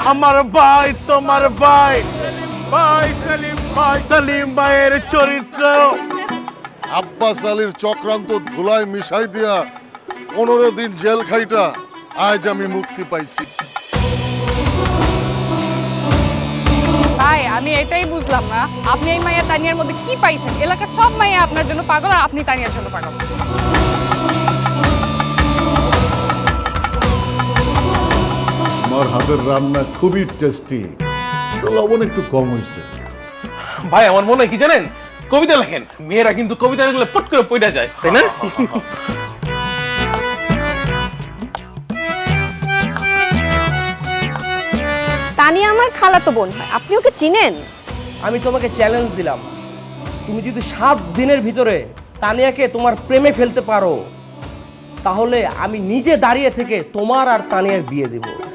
আমার ভাই তোমার ভাই ভাই সেলিম ভাইয়ের চরিত্র। আব্বাস আলীর চক্রান্ত ধুলায় মিশাই দিয়া 15 দিন জেল খাইটা আজ আমি মুক্তি পাইছি। ভাই আমি এটাই বুঝলাম না, আপনি এই মাইয়া তানিয়ার মধ্যে কি পাইছেন? এলাকার সব মাইয়া আপনার জন্য পাগল, আর আপনি তানিয়ার জন্য পাগল। আমার হাতের রান্না খুবই টেস্টি, লবণ একটু কম হয়েছে। ভাই আমার মনে হয় কি জানেন, কবিতা লেখেন। মেয়েরা কিন্তু কবিতা লিখলে পট করে পড়ে যায়, তাই না? তানিয়া আমার খালাতো বোন হয়, আপনি ওকে চিনেন? আমি তোমাকে চ্যালেঞ্জ দিলাম, তুমি যদি 7 দিনের ভিতরে তানিয়াকে তোমার প্রেমে ফেলতে পারো, তাহলে আমি নিজে দাঁড়িয়ে থেকে তোমার আর তানিয়ার বিয়ে দেব।